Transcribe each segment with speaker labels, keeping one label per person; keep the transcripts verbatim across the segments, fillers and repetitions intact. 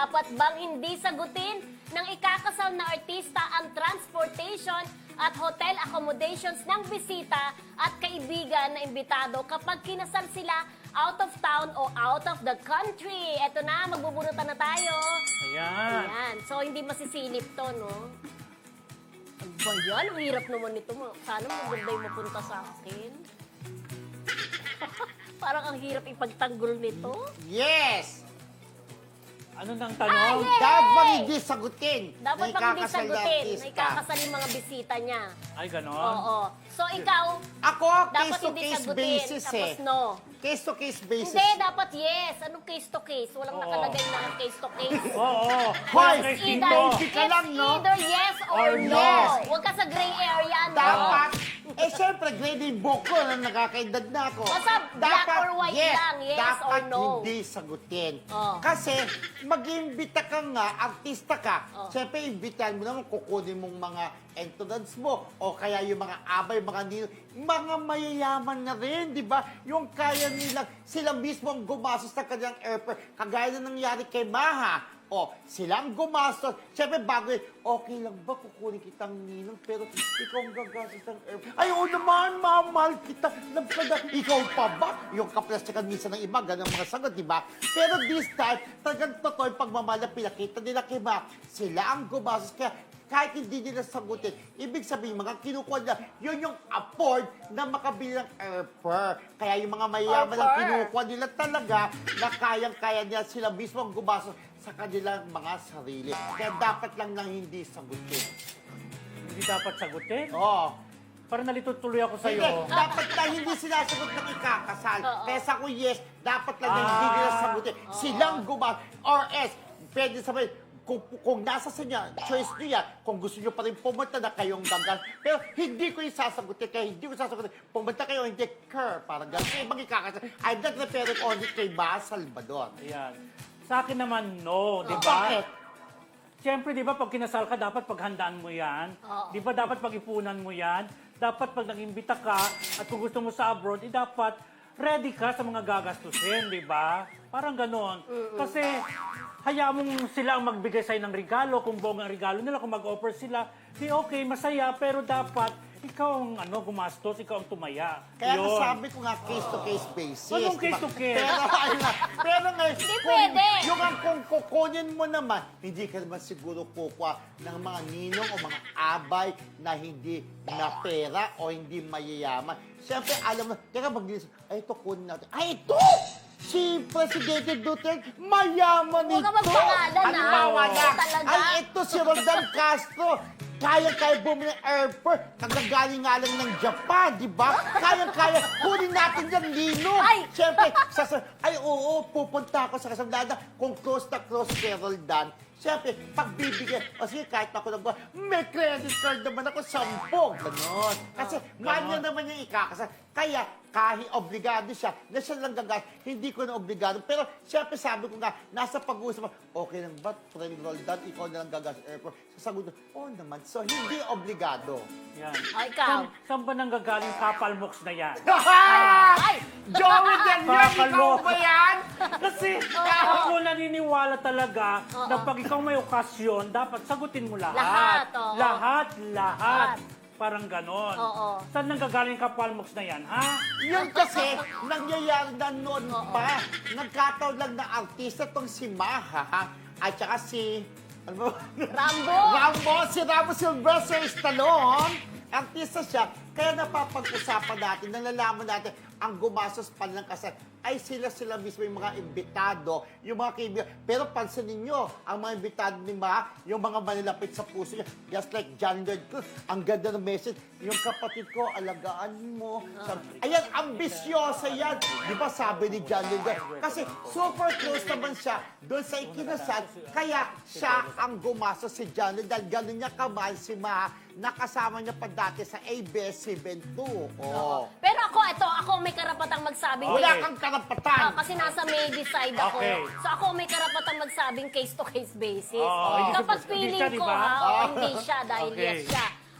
Speaker 1: dapat bang hindi sagutin ng ikakasal na artista ang transportation at hotel accommodations ng bisita at kaibigan na imbitado kapag kinasal sila out of town o out of the country? Eto na, magbubunutan na tayo.
Speaker 2: Ayan.
Speaker 1: Ayan. So, hindi masisilip to, no? Ano ba yan? Ang hirap naman nito. Sana maganda yung mapunta sa akin. Parang ang hirap ipagtanggol nito.
Speaker 3: Yes!
Speaker 2: Ano nang
Speaker 1: Ah,
Speaker 2: tanong?
Speaker 1: yes!
Speaker 3: Dapat bang hindi sagutin
Speaker 1: Dapat
Speaker 3: na
Speaker 1: pag hindi
Speaker 3: ikakasal na
Speaker 1: sagutin na
Speaker 3: artista?
Speaker 1: ikakasal yung mga bisita niya.
Speaker 2: Ay, ganon.
Speaker 1: Oo. So, ikaw,
Speaker 3: Ako,
Speaker 1: dapat hindi
Speaker 3: case-to-case
Speaker 1: sagutin.
Speaker 3: basis
Speaker 1: Tapos
Speaker 3: eh.
Speaker 1: no.
Speaker 3: Case-to-case basis.
Speaker 1: Hindi, dapat yes. Anong case to case? Walang
Speaker 2: Oo.
Speaker 1: nakalagay na case to case.
Speaker 2: Oo.
Speaker 3: Hoy,
Speaker 2: Bakit
Speaker 1: It's
Speaker 2: dito?
Speaker 1: either,
Speaker 3: Hindi ka lang,
Speaker 1: it's
Speaker 3: no?
Speaker 1: either yes or,
Speaker 2: Or
Speaker 1: no.
Speaker 3: yes.
Speaker 1: Huwag ka sa gray area, no?
Speaker 3: Dapat, eh syempre, grading book ko na nakakaedad na ako.
Speaker 1: Basta black or white lang, yes
Speaker 3: dapat
Speaker 1: or no.
Speaker 3: hindi sagutin.
Speaker 1: Oh.
Speaker 3: Kasi, mag-imbita ka nga, artista ka,
Speaker 1: Oh.
Speaker 3: syempre, imbitahan mo naman, kukunin mong mga entrance mo, o kaya yung mga abay, mga nino, mga mayayaman na rin, di ba? Yung kaya nilang, sila mismo ang gumastos ng kanyang airfare, kagaya na nangyari kay Maha. O, silang gumastos. Siyempre, bago yun, okay lang ba kukunin kitang ninong, pero ikaw ang gagastos ng airfare. Ay, oo naman, mamahal kita. Love ka na. Ikaw pa ba? Yung kaplastikan minsan ng iba, ganang mga sagot, di ba? Pero this time, talagang totoo yung pagmamahal na pinakita nila kay Maha. Sila ang gumastos. Kaya, kahit hindi nila sagutin, ibig sabihin, mga kinukuha nila, yun yung afford na makabili ng airfare. Kaya yung mga mayayaman ang
Speaker 1: Airfare.
Speaker 3: kinukuha nila talaga na kayang-kaya nila sila mismo ang gumastos sa kanilang mga sarili. Kaya dapat lang nang hindi sagutin.
Speaker 2: Hindi dapat sagutin?
Speaker 3: Oo.
Speaker 2: Parang nalito tuloy ako
Speaker 3: Hindi,
Speaker 2: sa'yo.
Speaker 3: dapat lang hindi sinasagot ng ikakasal.
Speaker 1: Oo.
Speaker 3: Kaya sa ko, yes, dapat lang na hindi nila
Speaker 2: Ah.
Speaker 3: sagutin. Silang gumastos. Or else, pwede sabihin, kung, kung nasa sa niya, choice niyo yan, kung gusto niyo pa rin pumunta na kayong gagal. Pero hindi ko yung sasagutin, kaya hindi ko sasagutin. Pumunta kayo, hindi care, parang gano'n. Kaya ibang ikakasal. I'm not referring only kay Ba Salvador.
Speaker 2: Ayan. Sa akin naman, no. Di ba?
Speaker 3: Bakit?
Speaker 2: Siyempre, di ba, pag kinasal ka, dapat paghandaan mo yan.
Speaker 1: Oo.
Speaker 2: Di ba, dapat pag-ipunan mo yan. Dapat pag nag-imbita ka, at kung gusto mo sa abroad, eh, dapat ready ka sa mga gagastusin, di ba? Parang ganon. Kasi, hayaan mong sila ang magbigay sa'yo ng regalo, kung buong ang regalo nila, kung mag-offer sila, di okay, masaya, pero dapat, ikaw ang ano, gumastos, ikaw ang tumaya.
Speaker 3: Kaya
Speaker 2: Yun.
Speaker 3: sabi ko nga, case-to-case basis.
Speaker 2: Anong
Speaker 3: diba?
Speaker 2: case-to-case?
Speaker 3: Pero, ayun nga, pero nga,
Speaker 1: Hindi
Speaker 3: kung,
Speaker 1: pwede.
Speaker 3: yung ang kung kukunin mo naman, hindi ka naman siguro kukuha ng mga ninong o mga abay na hindi na pera o hindi mayayaman. Siyempre, alam mo, kaya pag ay, ito kunin natin. Ay, ito! Si Presidente Duterte, mayaman
Speaker 1: Huwag
Speaker 3: ito.
Speaker 1: ka magpangalan,
Speaker 3: Ano
Speaker 1: ah.
Speaker 3: ba, wala?
Speaker 1: Talaga?
Speaker 3: Ay, ito si Roldan Castro. Kaya-kaya bumili ng airport. Kagagaling nga lang ng Japan, di ba? Kaya-kaya. Kunin natin yan, Lino.
Speaker 1: Ay!
Speaker 3: Siyempre, sasa, ay oo, pupunta ako sa kasamlada. Kung close na close kay Roldan, siyempre, pagbibigyan, o sige, kahit ako nagbawa, may credit card naman ako, sampog. Ganon. Kasi,
Speaker 2: Oh,
Speaker 3: mahal niya
Speaker 2: ganon.
Speaker 3: naman yung ikakasal. Kaya, kahit obligado siya, na siya lang gagas, hindi ko na obligado. Pero, siyempre, sabi ko nga, nasa pag-uusap, okay lang ba, friend Roldan, ikaw na lang gagas airport. Sasagot ko, oo naman. So, hindi obligado.
Speaker 2: Yan.
Speaker 1: Ay, ikaw.
Speaker 2: Saan, saan ba nanggagaling kapal moks na yan?
Speaker 1: Ay!
Speaker 3: Joey Del Rio, ikaw
Speaker 2: Kakaloka.
Speaker 3: ba yan?
Speaker 2: Kasi ako naniniwala talaga
Speaker 1: Oo.
Speaker 2: na pag ikaw may okasyon, dapat sagutin mo lahat.
Speaker 1: Lahat, oo.
Speaker 2: Lahat, lahat.
Speaker 1: Lahat.
Speaker 2: Parang ganon.
Speaker 1: Oo.
Speaker 2: Saan nanggagaling kapal moks na yan, ha?
Speaker 3: Yun kasi, nangyayari na noon
Speaker 1: Oo.
Speaker 3: pa. Nagkataon lang na artista tong si Maha, ha? At saka si... Ano ba?
Speaker 1: Rambo!
Speaker 3: Rambo! Si Rambo Sylvester Stallone. Artista siya. Kaya napapag-usapan natin, nalalaman natin, ang gumastos pa ng kasal ay sila-sila mismo yung mga imbitado, yung mga kaibigan. Pero pansinin nyo, ang mga imbitado ni Ma, yung mga manilapit sa puso niya, just like John Lloyd Cruz, ang ganda ng message, yung kapatid ko, alagaan mo. Sabi, ayan, ambisyosa yan. Di ba sabi ni John Lloyd Cruz? Kasi super close naman siya doon sa ikinasal, kaya siya ang gumastos si John Lloyd dahil gano'n niya kamahal si Ma, nakasama niya pa dati sa A B S seventy-two. Oh.
Speaker 1: Pero ako, ito, ako may karapatang magsabing
Speaker 3: Wala
Speaker 1: case.
Speaker 3: kang karapatan.
Speaker 1: Ah, kasi nasa maybe side ako.
Speaker 2: Okay.
Speaker 1: So ako may karapatang magsabing case-to-case basis.
Speaker 2: Oo,
Speaker 3: hindi
Speaker 2: siya-
Speaker 1: Kapag
Speaker 2: hindi
Speaker 1: feeling
Speaker 2: siya, di
Speaker 1: ko,
Speaker 2: ba?
Speaker 1: ha,
Speaker 3: Oo.
Speaker 1: o hindi siya dahil
Speaker 2: Okay.
Speaker 1: yes siya.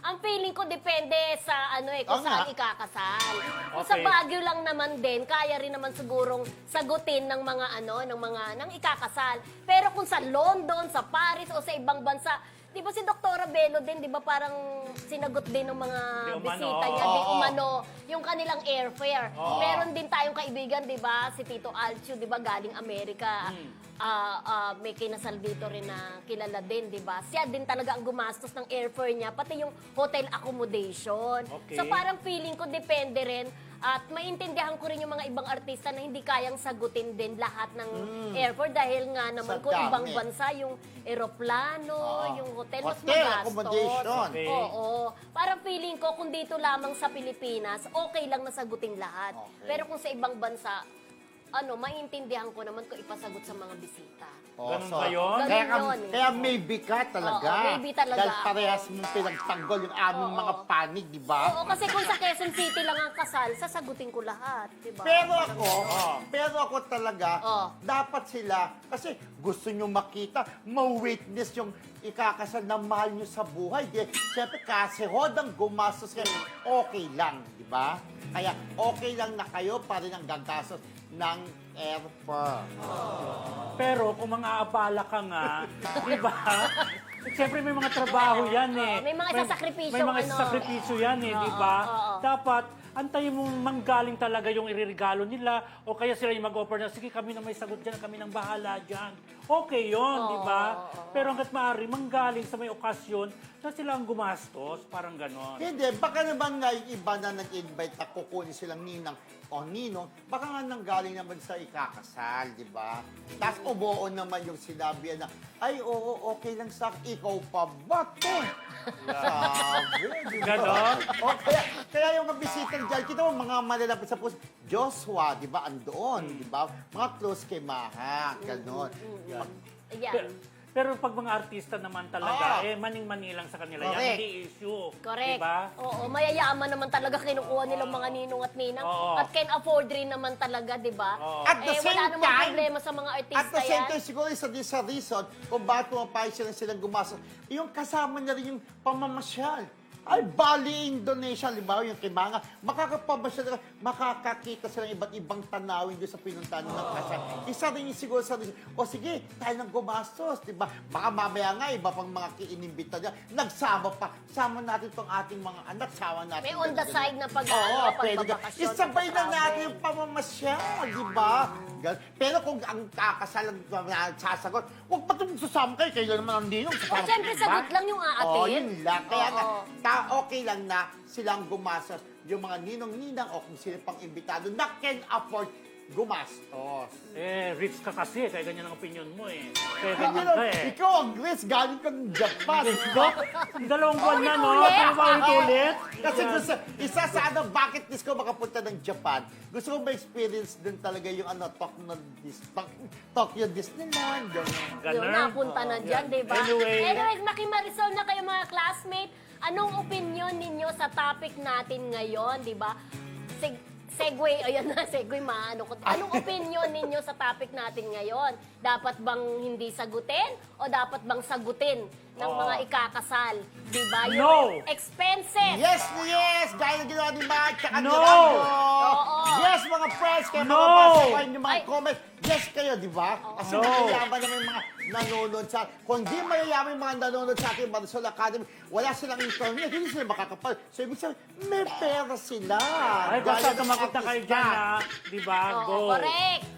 Speaker 1: Ang feeling ko depende sa ano eh, kung
Speaker 3: Oo nga.
Speaker 1: saan ikakasal. Kung sa
Speaker 2: Okay.
Speaker 1: Baguio lang naman din, kaya rin naman sigurong sagutin ng mga ano, ng mga ng ikakasal. Pero kung sa London, sa Paris o sa ibang bansa, di ba si Doktora Bello din, di ba parang sinagot din ng mga
Speaker 2: Di umano.
Speaker 1: bisita niya, di
Speaker 3: Oo.
Speaker 1: umano, yung kanilang airfare. Meron din tayong kaibigan, di ba, si Tito Alcio, di ba, galing Amerika. Ah, ah, may kinasal dito rin na kilala din, di ba? Siya din talaga ang gumastos ng airfare niya, pati yung hotel accommodation.
Speaker 2: Okay.
Speaker 1: So parang feeling ko depende rin at maintindihan ko rin yung mga ibang artista na hindi kayang sagutin din lahat ng airfare dahil nga naman
Speaker 3: Sa
Speaker 1: kung ibang
Speaker 3: dami.
Speaker 1: bansa yung eroplano,
Speaker 3: Oo.
Speaker 1: yung hotel, mas
Speaker 3: Hotel
Speaker 1: magastos.
Speaker 3: accommodation.
Speaker 2: Okay.
Speaker 1: Oo. Parang feeling ko kung dito lamang sa Pilipinas, okay lang na sagutin lahat.
Speaker 3: Okay.
Speaker 1: Pero kung sa ibang bansa, ano, maintindihan ko naman kung ipasagot sa mga bisita.
Speaker 3: Oh,
Speaker 2: Ganun ba yun?
Speaker 1: Ganun
Speaker 3: Kaya, ka-
Speaker 1: yun eh.
Speaker 3: kaya maybe ka talaga.
Speaker 1: Oo, maybe talaga
Speaker 3: Dahil
Speaker 1: ako.
Speaker 3: parehas mong pinagtanggol yung aming
Speaker 1: Oo.
Speaker 3: mga panig, di ba?
Speaker 1: Oo, kasi kung sa Quezon City lang ang kasal, sasagutin ko lahat, di ba?
Speaker 3: Pero ako, pero ako talaga,
Speaker 1: Oh.
Speaker 3: dapat sila, kasi gusto nyo makita, ma-witness yung ikakasal na mahal nyo sa buhay. Di, siyempre, kasi hodang gumastos kayo, okay lang, di ba? Kaya okay lang na kayo pa rin ang gagastos ng airfare.
Speaker 2: Pero kung mga abala ka nga, di ba? Siyempre may mga trabaho yan eh.
Speaker 1: Oo, may mga isasakripisyo,
Speaker 2: May mga
Speaker 1: ano.
Speaker 2: isasakripisyo yan eh, di
Speaker 1: Oo,
Speaker 2: ba?
Speaker 1: oo.
Speaker 2: Dapat, antayin mong manggaling talaga yung iririgalo nila o kaya sila yung mag-offer na, sige kami na may sagot dyan, kami nang bahala dyan. Okay yun, di ba? Pero hanggat maaari, manggaling sa may okasyon na sila ang gumastos, parang ganon.
Speaker 3: Hindi, baka naman nga yung iba na nag-invite na kukunin silang ninang o ninong, baka nga nanggaling naman sa ikakasal, di ba? Tapos umuo naman yung sinabi na, ay, oo, okay lang sa akin, ikaw pa ba to? Sabi, di ba?
Speaker 2: Ganon?
Speaker 3: O, kaya, kaya yung mga bisita dyan, kita mo mga malalapit sa puso, Joshua, di ba, andoon, di ba? Mga close kay Maha, ganon.
Speaker 1: Ayan.
Speaker 2: Pero, pero pag mga artista naman talaga,
Speaker 3: Ah.
Speaker 2: eh, maning-mani lang sa kanila yan,
Speaker 3: Correct.
Speaker 2: hindi issue.
Speaker 1: Correct.
Speaker 2: Di ba?
Speaker 1: Oo, mayayaman naman talaga kinukuha nilang mga ninong at ninang.
Speaker 2: Oo.
Speaker 1: At can afford rin naman talaga, di ba?
Speaker 2: Oo.
Speaker 3: At the
Speaker 1: eh,
Speaker 3: same
Speaker 1: wala namang
Speaker 3: time-
Speaker 1: problema sa mga artista
Speaker 3: At the same
Speaker 1: yan.
Speaker 3: time, siguro isa din sa reason kung bakit pumapayag sila silang gumastos, yung kasama niya rin yung pamamasyal. Ay, Bali, Indonesia, halimbawa yung kay Mga, makakapamasyal, makakakita sila ng iba't ibang tanawin doon sa pinuntahan ng kasal. Isa rin yung siguro sa reason, o sige, tayo nang gumastos, di ba? Baka mamaya nga, iba pang mga kiinimbita niya, nagsama pa, sama natin tong ating mga anak, sama natin.
Speaker 1: May on the
Speaker 3: ganun,
Speaker 1: side
Speaker 3: ganun.
Speaker 1: na pag-
Speaker 3: Oo,
Speaker 1: ano,
Speaker 3: pwede ka.
Speaker 1: pagbabakasyon,
Speaker 3: Isabay na
Speaker 1: pagpa-travel.
Speaker 3: natin yung pamamasyal, di ba? Gan- Pero kung ang kakasal ang uh, sasagot, huwag pa itong susama kayo, kayo naman ang ninong.
Speaker 1: O, syempre, sagot lang yung aatin.
Speaker 3: Oo, yun lang. Kaya nga,
Speaker 1: Oo.
Speaker 3: ta- okay lang na silang gumastos yung mga ninong-ninang o kung sino pang imbitado na can afford gumastos.
Speaker 2: Eh, rich ka kasi, kaya ganyan ang opinion mo eh. Kaya
Speaker 3: Ikaw,
Speaker 2: ganyan ka eh.
Speaker 3: ikaw ang Grace, galing ka ng Japan.
Speaker 2: Diba? Dalawang buwan na, no?
Speaker 1: Ulit-ulit.
Speaker 2: Di ba ulit-ulit?
Speaker 3: Kasi gusto, isa sa ano, bucket list ko makapunta ng Japan. Gusto ko ma-experience din talaga yung ano, Tokyo, Dis, Tok- Tokyo Disneyland. Gano'n.
Speaker 2: Ganun.
Speaker 1: Yun, napunta na
Speaker 2: Oo,
Speaker 1: dyan,
Speaker 2: yan.
Speaker 1: di ba?
Speaker 2: Anyway.
Speaker 1: Anyways, makimarisol na kayo mga classmate. Anong opinion ninyo sa topic natin ngayon, di ba? Seg segue, ayan na, segue maano ko. Anong opinion ninyo sa topic natin ngayon? Dapat bang hindi sagutin o dapat bang sagutin ng
Speaker 2: Oo.
Speaker 1: mga ikakasal? Di ba? Yung
Speaker 2: No!
Speaker 1: expenses.
Speaker 3: Yes, yes! Gaya na ginawa ni Mark, tsaka ni
Speaker 2: No!
Speaker 3: Rambo.
Speaker 1: Oo.
Speaker 3: Yes, mga friends, kaya
Speaker 2: No!
Speaker 3: mababasa ko yung mga
Speaker 1: Ay.
Speaker 3: comments. Yes kayo, di ba? Kasi
Speaker 2: No.
Speaker 3: mayayaman naman yung mga nanonood sa... Kung di mayayaman yung mga nanonood sa ating Marisol Academy, wala silang internet, hindi sila makakapal. So, ibig sabihin, may pera sila.
Speaker 2: Ay, basta
Speaker 3: Gaya ng
Speaker 2: tumakot na kayo
Speaker 3: artista.
Speaker 2: dyan, ha? Di ba?
Speaker 1: Oo,
Speaker 2: Go.
Speaker 1: correct.